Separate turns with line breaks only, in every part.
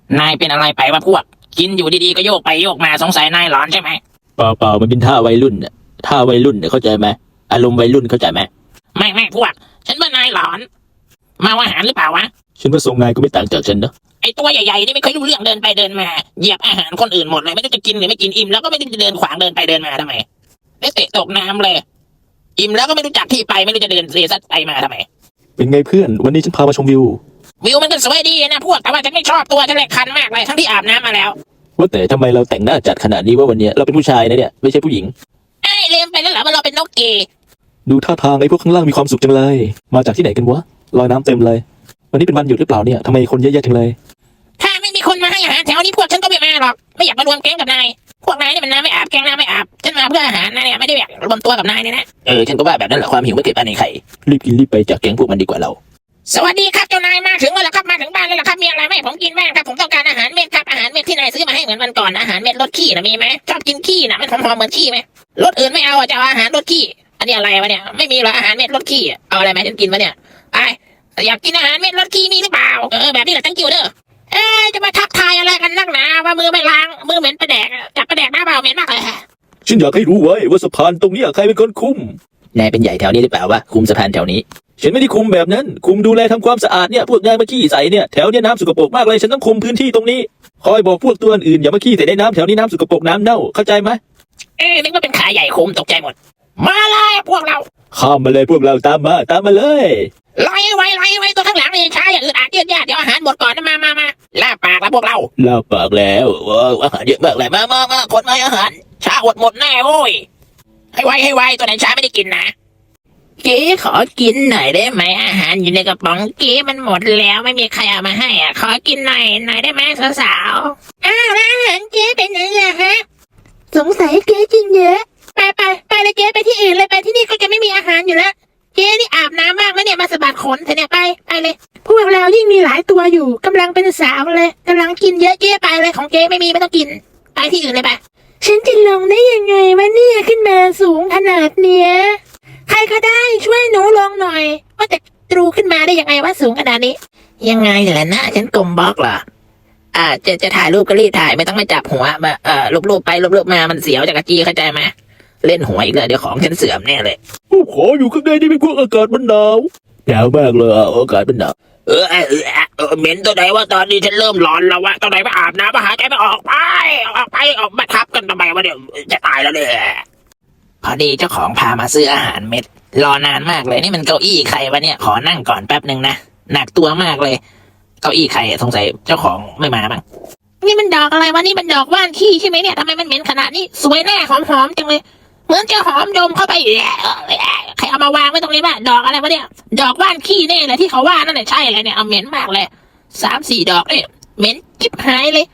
นายเป็นอะไรไปวะพวกกินอยู่ดีๆก็โยกไปโยกมาสงสัยนายหลอนใช่ไหม
เปล่ามันเป็นท่าวัยรุ่นน่ะท่าวัยรุ่นเนี่ยเข้าใจไหมอารมณ์วัยรุ่นเข้าใจไหม
ไม่พวกฉันว่านายหลอนมาอาหารหรือเปล่าวะ
ฉันว่าทรงนายก็ไม่ต่างจากฉันนะ
ไอตัวใหญ่ๆนี่ไม่เคยรู้เรื่องเดินไปเดินมาเหยียบอาหารคนอื่นหมดเลยไม่รู้จะกินหรือไม่กินอิ่มแล้วก็ไม่รู้จะเดินขวางเดินไปเดินมาทำไมได้เตะตกน้ำเลยอิ่มแล้วก็ไม่รู้จักที่ไปไม่รู้จะเดินเซซัดไปมาทำไม
เป็นไงเพื่อนวันนี้ฉันพามาชมวิว
วิวมันก็สวยดีนะพวกแต่ว่าฉันไม่ชอบตัวฉันเลยคันมากเลยทั้งที่อาบน้ำมาแล้ว
ว่าแต่ทำไมเราแต่งหน้าจัดขนาดนี้ว่าวันนี้เราเป็นผู้ชายนะเนี่ยไม่ใช่ผู้หญิง
ไอ้ลืมไปแล้วเหรอว่าเราเป็นนกเกย์
ดูท่าทางไอ้พวกข้างล่างมีความสุขจังเลยมาจากที่ไหนกันวะลอยน้ำเต็มเลยวันนี้เป็นวันหยุดหรือเปล่าเนี่ยทำไมคนเยอะแยะจังเลย
ถ้าไม่มีคนมาให้อาหารแถวนี้พวกฉันก็ไม่มาหรอกไม่อยากมารวมแก๊งกับนายพวกนายนี่มันน้ำไม่อาบแก๊งน้ำไม่อาบฉันมาเพื่ออาหารนะเนี่ยไม่ได้อยากรวมตัวกับนายเนี่ยนะ
ฉันก็ว่าแบบนั้นแหละความหิวไม่เก็บอันในไข่รีบกินรีบไปจากแก๊งพวกมันดีกว่าเรา
สวัสดีครับเจ้านายมาถึงแล้วครับมาถึงบ้านแล้วครับมีอะไรไหมผมกินบ้างครับผมต้องการอาหารเม็ดครับอาหารเม็ดที่นายซื้อมาให้เหมือนวันก่อนอาหารเม็ดรสขี้นะมีไหมชอบกินขี้นะมันหอมเหมือนขี้ไหมรสอื่นไม่เอาจะเอาอาหารรสขี้อันนี้อะไรวะเนี่ยไม่มีหรออาหารเม็ดรสขี้เอาอะไรมาฉันกินวะเนี่ยไออยากกินอาหารเม็ดรสขี้มีหรือเปล่าแบบนี้แหละตั้งกิ้วเด้อจะมาทักทายอะไรกันนักหนาว่ามือไม่ล้างมือเหม็นประแดกจับประแดกหน้าเปล่าเหม็นมากเลย
ฉันอยากให้รู้ไว้ว่าสะพานตรงนี้ใครเป็นคนคุมนายเป็นใหญ่แถวนี้หรือเปล่าวะคุมสะพานแถวนี้ฉันไม่ได้คุมแบบนั้นคุมดูแลทำความสะอาดเนี่ยพวกนายมาขี้ใส่เนี่ยแถวเนี้ยน้ำสกปรกมากเลยฉันต้องคุมพื้นที่ตรงนี้คอยบอกพวกตัวอื่นอย่ามาขี้ใส่ในน้ำแถวนี้น้ำสกปรกน้ำเน่าเข้าใจไหม
นึกว่าเป็นขาใหญ่คุมตกใจหมดมาเลยพวกเรา
ข้ามมาเลยพวกเราตามมาเลย
ไล่ไว้ตัวข้างหลังนี่ช้าอย่าอึดอัดยืดยาดเดี๋ยวอาหารหมดก่อนนะมาล่าปากแล้วพวกเรา
ล่าปากแล้วอาหารเยอะมากเลย
มาคนมาอาหารช้าอดหมดแน่โว้ยให้ไวตัวไหนช้าไม่ได้กินนะเก๋ขอกินหน่อยได้ไหมอาหารอยู่ในกระป๋องเก๋มันหมดแล้วไม่มีใครเอามาให้ขอกินหน่อยได้ไหมสาวแล้วอาหารเก๋เป็นยังไงฮะสงสัยเก๋กินเยอะไปเลยเก๋ไปที่อื่นเลยไปที่นี่ก็จะไม่มีอาหารอยู่แล้วเจ๊นี่อาบน้ำมากแล้วเนี่ยมาสะบัดขนเธอเนี่ยไปเลยพวกเรายิ่งมีหลายตัวอยู่กำลังเป็นสาวเลยกำลังกินเยอะเจ๊ไปเลยของเจ๊ไม่มีไม่ต้องกินไปที่อื่นเลยไปฉันจะลงได้ยังไงวะเนี่ยขึ้นมาสูงขนาดเนี้ยใครก็ได้ช่วยหนูลงหน่อยว่าแต่ตรูขึ้นมาได้ยังไงว่าสูงขนาดนี้ยังไงแหละนะฉันกลมบล็อกเหรอจะถ่ายรูปก็รีบถ่ายไม่ต้องมาจับหัวมารูปไปรูปมามันเสียวจากกะจีเข้าใจไหมเล่นหวยอีกเลยเดี๋ยวของฉันเสื่อมแน่เลย
ขออยู่ข้างในนี่เป็นพวกอากาศมันหนาวมากเลยอากาศมันหนาว
เหม็นตัวไหนว่าตอนนี้ฉันเริ่มร้อนแล้ววะตัวไหนมาอาบน้ำมาหายใจไม่ออกไปออกมาทับกันทำไมวะเดี๋ยวจะตายแล้วเนี่ยพอดีเจ้าของพามาซื้ออาหารเม็ดรอนานมากเลยนี่มันเก้าอี้ใครวะเนี่ยขอนั่งก่อนแป๊บนึงนะหนักตัวมากเลยเก้าอี้ใครสงสัยเจ้าของไม่มาบ้างนี่มันดอกอะไรวะนี่มันดอกว่านขี้ใช่ไหมเนี่ยทำไมมันเหม็นขนาดนี้สวยแน่หอมจังเลยเหมือนจะหอมดมเข้าไปใครเอามาวางไว้ตรงนี้บ้างดอกอะไรวะเนี่ยดอกว่านขี้แน่เลยที่เขาว่านั่นแหละใช่เลยเนี่ยเอาเหม็นมากเลย3-4 ดอกเนี่ยเหม็นจิ๊บหายเลย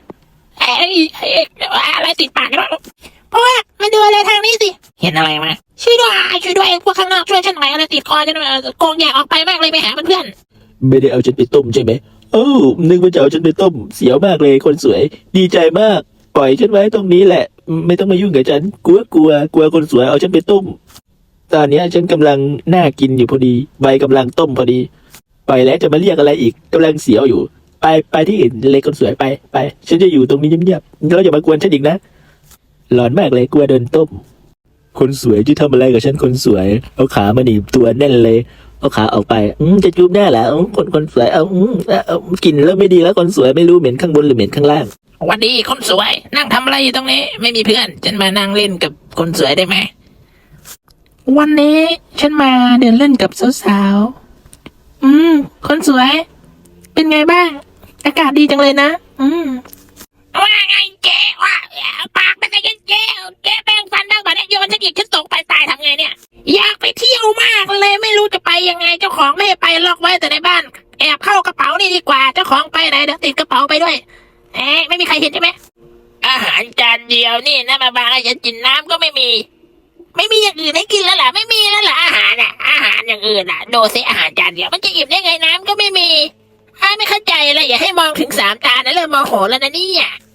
อะไรติดปากกันวะเพราะว่ามาดูอะไรทางนี้สิเห็นอะไรมาช่วยด้วยพวกข้างนอกช่วยฉันหน่อยอะไรติดคอฉันโกงอยากออกไปมากเลยไปหาเพื่อน
ไม่ได้เอาฉันไปต้มใช่ไหมนึกว่าจะเอาฉันไปต้มเสียวมากเลยคนสวยดีใจมากปล่อยฉันไว้ตรงนี้แหละไม่ต้องมายุ่งกับฉันกลัวคนสวยเอาฉันไปต้มตอนนี้ฉันกำลังน่ากินอยู่พอดีใบกำลังต้มพอดีไปแล้วจะมาเรียกอะไรอีกกำลังเสียวอยู่ไปที่อื่นเลยคนสวยไปฉันจะอยู่ตรงนี้เงียบๆแล้วอย่ามากวนฉันอีกนะหลอนมากเลยกลัวโดนต้มคนสวยที่ทำอะไรกับฉันคนสวยเอาขามาหนีบตัวแน่นเลยเอาขาออกไปจะจูบหน้าเหรอคนสวยกินแล้วไม่ดีแล้วคนสวยไม่รู้เหม็นข้างบนหรือเหม็นข้างล่างวันดีคนสวยนั่งทำอะไรอยู่ตรงนี้ไม่มีเพื่อนฉันมานั่งเล่นกับคนสวยได้ไหมวันนี้ฉันมาเดินเล่นกับสาวๆคนสวยเป็นไงบ้างอากาศดีจังเลยนะว่าไงเจ๊ว่าปากเป็นไงเจ๊แป้งฟันบ้างบ่เนี่ยโยนฉันอีกฉันตกไปตายทำไงเนี่ยอยากไปเที่ยวมากเลยไม่รู้จะไปยังไงเจ้าของไม่ให้ไปล็อกไว้แต่ในบ้านแอบเข้ากระเป๋านี่ดีกว่าเจ้าของไปไหนเดี๋ยวติดกระเป๋าไปด้วยไม่มีใครเห็นใช่ไหมอาหารจานเดียวนี่นะมาบางให้ฉันกินน้ำก็ไม่มีอย่างอื่นให้กินแล้วล่ะไม่มีแล้วล่ะอาหารอย่างอื่นดูสิอาหารจานเดียวมันจะอิ่มได้ไงน้ำก็ไม่มีไม่เข้าใจเลยอย่าให้มองถึง3 จานนะเริ่มโมโหแล้วนะเนี่ย